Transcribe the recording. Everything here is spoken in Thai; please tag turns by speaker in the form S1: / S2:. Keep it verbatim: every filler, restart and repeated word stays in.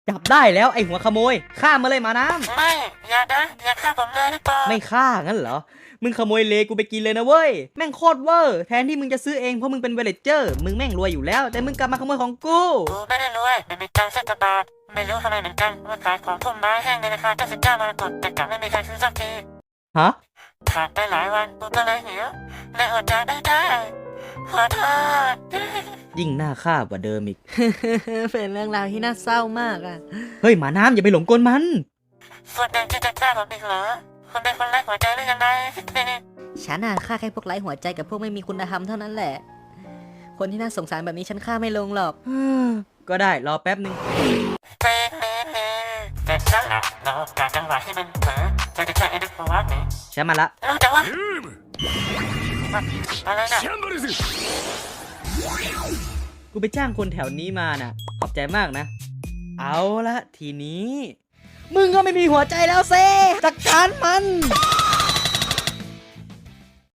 S1: จับได้แล้วไอหัวขโมยฆ่ามาเลยมาน้ำ
S2: ไม่อย่านะอย่าฆ่าผมเลยนะปอ
S1: ไม่ฆ่างั้นเหรอมึงขโมยเลกูไปกินเลยนะเว้ยแม่งโคตรเวอร์แทนที่มึงจะซื้อเองเพราะมึงเป็นเวลเลเจอร์มึงแม่งรวยอยู่แล้วแต่มึงกลับมาขโมยของกู
S2: กูไม่ได้รวยไม่มีตังค์สักบาทไม่รู้ทำไมเหมือนกันว่าขายของพุ่มไม้แห้งในราคาเก้าสิบเก้ามรกตแต่กลับไม่มีใครซื้อสักที
S1: ฮะ
S2: ผ่านไปหลายวันกูก็เลยหิวและอดอยากได้ได้ขอโทษ
S1: ยิ่งน่าฆ่ากว่าเดิมอีก
S3: เป็นเรื่องราวที่น่าเศร้ามากอ่ะ
S1: เฮ้ยหมาน้ำอย่าไปหลงกลมัน
S2: ส่วนหนึ่งที่จะฆ่าผมอีกเหรอคุณเป็นคนไร้หัวใจหรือยังไง
S3: ฉันน่ะฆ่าแค่พวกไร้หัวใจกับพวกไม่มีคุณธรรมเท่านั้นแหละคนที่น่าสงสารแบบนี้ฉันฆ่าไม่ลงหรอก
S1: ก็ได้รอแป๊บนึง
S2: เป๊ะเป๊ะเป๊ะเสร็จแล้วล่ะเราการจังหวะที่มันเผลอจะจะแค่ไอ้นักวักนี่
S1: ใช่มาละ
S2: เออแต่ว่าอะไรนะ
S1: กูไปจ้างคนแถวนี้มาน่ะขอบใจมากนะเอาละทีนี้มึงก็ไม่มีหัวใจแล้วเซ่จัดการมัน